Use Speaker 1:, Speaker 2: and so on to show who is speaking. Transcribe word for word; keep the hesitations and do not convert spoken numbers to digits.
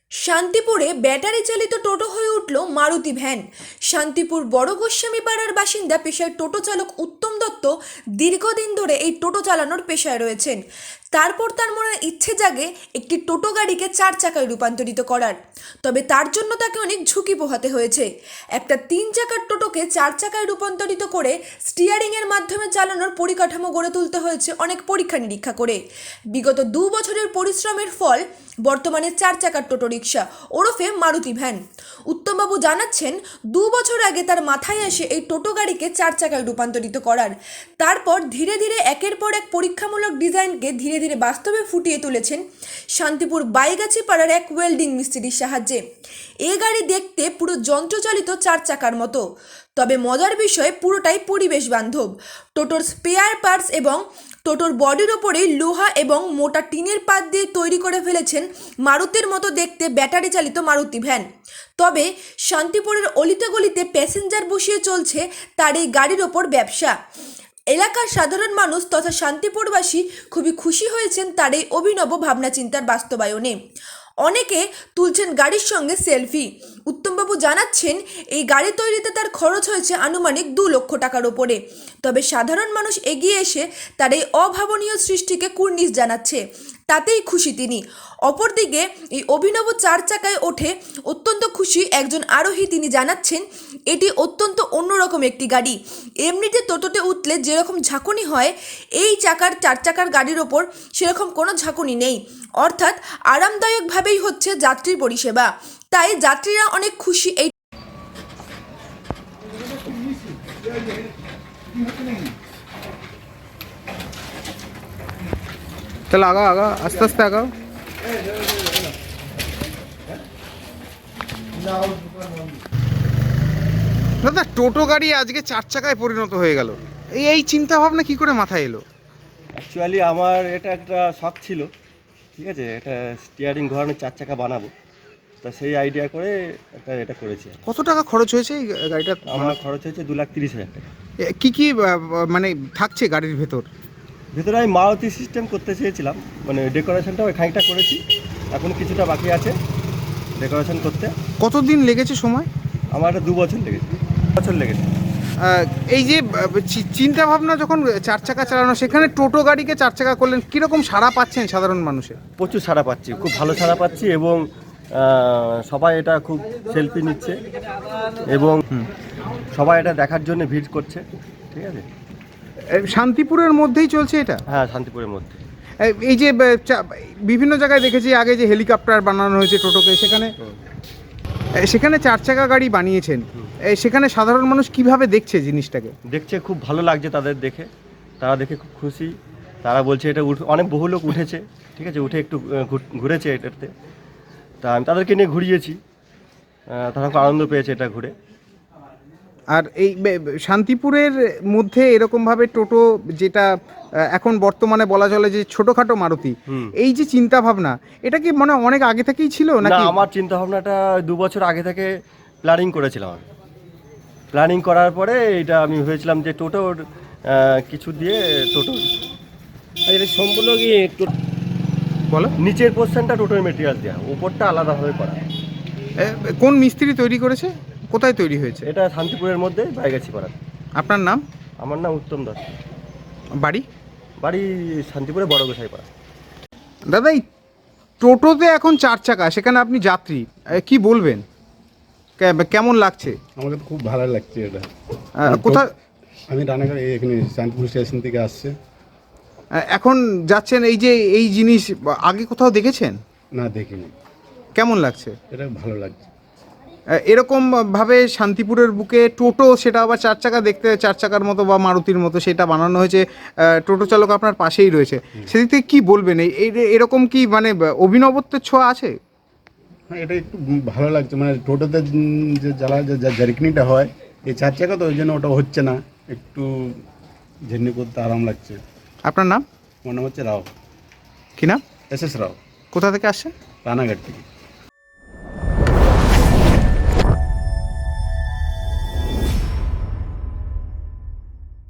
Speaker 1: শান্তিপুরে ব্যাটারি চালিত টোটো হয়ে উঠল মারুতি ভ্যান। শান্তিপুর বড় গোস্বামী পাড়ার বাসিন্দা পেশায় টোটো চালক উত্তম দত্ত দীর্ঘদিন ধরে এই টোটো চালানোর পেশায় রয়েছেন। তারপর তার মনে ইচ্ছে জাগে একটি টোটো গাড়িকে চার চাকায় রূপান্তরিত করার। তবে তার জন্য তাকে অনেক ঝুঁকি পোহাতে হয়েছে। একটা তিন চাকার টোটোকে চার চাকায় রূপান্তরিত করে স্টিয়ারিংয়ের মাধ্যমে চালানোর পরিকাঠামো গড়ে তুলতে হয়েছে অনেক পরীক্ষা নিরীক্ষা করে। বিগত দু বছরের পরিশ্রমের ফল বর্তমানে চার চাকার টোটো রিক্সা ওরফে মারুতি ভ্যান। উত্তমবাবু জানাচ্ছেন, দু বছর আগে তার মাথায় আসে এই টোটো গাড়িকে চার চাকায় রূপান্তরিত করার। তারপর ধীরে ধীরে একের পর এক পরীক্ষামূলক ডিজাইনকে ধীরে ধীরে বাস্তবে ফুটিয়ে তুলেছেন শান্তিপুর বাইগাছি পাড়ার এক ওয়েল্ডিং মিস্ত্রির সাহায্যে। এ গাড়ি দেখতে পুরো যন্ত্রচালিত চার চাকার মতো, তবে মজার বিষয় পুরোটাই পরিবেশ বান্ধব। টোটোর স্পেয়ার পার্টস এবং টোটোর বডির ওপরেই লোহা এবং মোটা টিনের পাত দিয়ে তৈরি করে ফেলেছেন মারুতির মতো দেখতে ব্যাটারি চালিত মারুতি ভ্যান। তবে শান্তিপুরের অলিতে গলিতে প্যাসেঞ্জার বসিয়ে চলছে তার এই গাড়ির ওপর ব্যবসা। এলাকার সাধারণ মানুষ তথা শান্তিপুরবাসী খুবই খুশি হয়েছেন তার এই অভিনব ভাবনা চিন্তার বাস্তবায়নে। অনেকে তুলছেন গাড়ির সঙ্গে সেলফি। উত্তমবাবু জানাচ্ছেন, এই গাড়ি তৈরিতে তার খরচ হয়েছে আনুমানিক দু লক্ষ টাকার ওপরে। তবে সাধারণ মানুষ এগিয়ে এসে তার এই অভাবনীয় সৃষ্টিকে কুর্নিশ জানাচ্ছে, তাতেই খুশি তিনি। অপরদিকে এই অভিনব চার চাকায় ওঠে অত্যন্ত খুশি একজন আরোহী। তিনি জানাচ্ছেন, এটি অত্যন্ত অন্যরকম একটি গাড়ি। এমনিতে টোটোতে উঠলে যেরকম ঝাঁকুনি হয়, এই চাকার চার চাকার গাড়ির ওপর সেরকম কোনো ঝাঁকুনি নেই। অর্থাৎ আরামদায়কভাবেই হচ্ছে যাত্রীর পরিষেবা। তাই যাত্রীরা অনেক খুশি। এই
Speaker 2: चलो आगा आगा आस्ते आस्ते आगाओ। দাদা, টোটো গাড়ি আজকে চার চাকায় পরিণত হয়ে গেল, এই এই চিন্তা ভাবনা কি করে মাথায় এলো?
Speaker 3: অ্যাকচুয়ালি আমার এটা একটা শখ ছিল, ঠিক আছে, এটা স্টিয়ারিং ঘোরানো চার চাকা বানাবো, তা সেই আইডিয়া করে একটা এটা করেছি।
Speaker 2: কত টাকা খরচ হয়েছে এই গাড়িটা?
Speaker 3: আমার খরচ হয়েছে দু লাখ তিরিশ হাজার টাকা।
Speaker 2: এ, কি কি আহ, মানে থাকছে গাড়ির ভেতর?
Speaker 3: ভেতরে আমি মারুতি সিস্টেম করতে চেয়েছিলাম, মানে ডেকোরেশনটাও খানিকটা করেছি, এখন কিছুটা বাকি আছে ডেকোরেশন করতে।
Speaker 2: কতদিন লেগেছে সময়?
Speaker 3: আমার একটা দু বছর লেগেছে বছর লেগেছে
Speaker 2: আহ, এই যে আহ, চি- চিন্তা ভাবনা যখন চার চাকা চালানো, সেখানে টোটো গাড়িকে চার চাকা করলেন, কীরকম সাড়া পাচ্ছেন সাধারণ মানুষের?
Speaker 3: প্রচুর সাড়া পাচ্ছি, খুব ভালো সাড়া পাচ্ছি, এবং আহ, সবাই এটা খুব সেলফি নিচ্ছে এবং সবাই এটা দেখার জন্য ভিড় করছে, ঠিক আছে।
Speaker 2: এ, শান্তিপুরের মধ্যেই চলছে এটা?
Speaker 3: হ্যাঁ, শান্তিপুরের মধ্যে।
Speaker 2: এই- এই যে আহ, চা- বিভিন্ন জায়গায় দেখেছি আগে যে হেলিকপ্টার বানানো হয়েছে টোটোকে, সেখানে এ, সেখানে চার চাকা গাড়ি বানিয়েছেন। এ, সেখানে সাধারণ মানুষ কিভাবে দেখছে জিনিসটাকে?
Speaker 3: দেখছে, খুব ভালো লাগছে তাদের দেখে, তারা দেখে খুব খুশি। তারা বলছে এটা উঠ অনেক বহু লোক উঠেছে, ঠিক আছে, উঠে একটু আহ, ঘুর- ঘুরেছে এটাতে, তা আমি তাদেরকে নিয়ে ঘুরিয়েছি, আহ, তারা খুব আনন্দ পেয়েছে এটা ঘুরে।
Speaker 2: আর এই বে- বে- শান্তিপুরের মধ্যে এরকমভাবে টোটো, যেটা আহ, এখন বর্তমানে বলা চলে যে ছোটোখাটো মারুতি,
Speaker 3: হুম।
Speaker 2: এই যে চিন্তা ভাবনা, এটা কি মানে অনেক আগে থেকেই ছিল
Speaker 3: না,
Speaker 2: নাকি?
Speaker 3: আমার চিন্তা ভাবনাটা দু বছর আগে থেকে প্ল্যানিং করেছিলাম। আমি প্ল্যানিং করার পরে এটা আমি ভেবেছিলাম যে টোটোর আহ, কিছু দিয়ে টোটো এটা সম্পূর্ণ কি
Speaker 2: বলো।
Speaker 3: নিচের পোর্শনটা টোটোর মেটেরিয়াল দেওয়া, উপরটা আলাদাভাবে করা।
Speaker 2: এ, কোন মিস্ত্রি তৈরি করেছে? কোথায় তৈরি হয়েছে?
Speaker 3: এটা শান্তিপুরের মধ্যে বাইগাছি পাড়া।
Speaker 2: আপনার নাম?
Speaker 3: আমার নাম উত্তম দাস,
Speaker 2: বাড়ি?
Speaker 3: বাড়ি শান্তিপুরে বড় গোসাই পাড়া।
Speaker 2: দাদা, এই টোটোতে এখন চার চাকা, সেখানে আপনি যাত্রী, এ, কি বলবেন? কে- কেমন লাগছে?
Speaker 4: আমাকে তো খুব ভালো লাগছে এটা।
Speaker 2: আহ, কোথা
Speaker 4: আমি রানাঘাট এই এখানে শান্তিপুর স্টেশন থেকে আসছে।
Speaker 2: আহ, এখন যাচ্ছেন, এই যে এই জিনিস আগে কোথাও দেখেছেন?
Speaker 4: না, দেখিনি।
Speaker 2: কেমন লাগছে?
Speaker 4: এটা ভালো লাগছে।
Speaker 2: আহ, এরকম ভাবে শান্তিপুরের বুকে টোটো, সেটা আবার চার চাকা দেখতে চার চাকার মতো বা মারুতির মতো, সেটা বানানো হয়েছে। আহ, টোটো চালক আপনার পাশেই রয়েছে, সেদিক থেকে কী বলবেন? এই এই- এরকম কি মানে অভিনবত্বের ছোঁয়া আছে?
Speaker 4: হ্যাঁ, এটা একটু ভালো লাগছে, মানে টোটোতে উম যে জ্বালা যে যা- জার্কিনিটা হয়, এই চার চাকা তো ওই জন্য ওটা হচ্ছে না, একটু ঝিরনি করতে আরাম লাগছে।
Speaker 2: আপনার নাম?
Speaker 4: আমার নাম হচ্ছে রাও,
Speaker 2: কি নাম?
Speaker 4: এস এস রাও,
Speaker 2: কোথা থেকে আসছেন?
Speaker 4: রানাঘাট থেকে।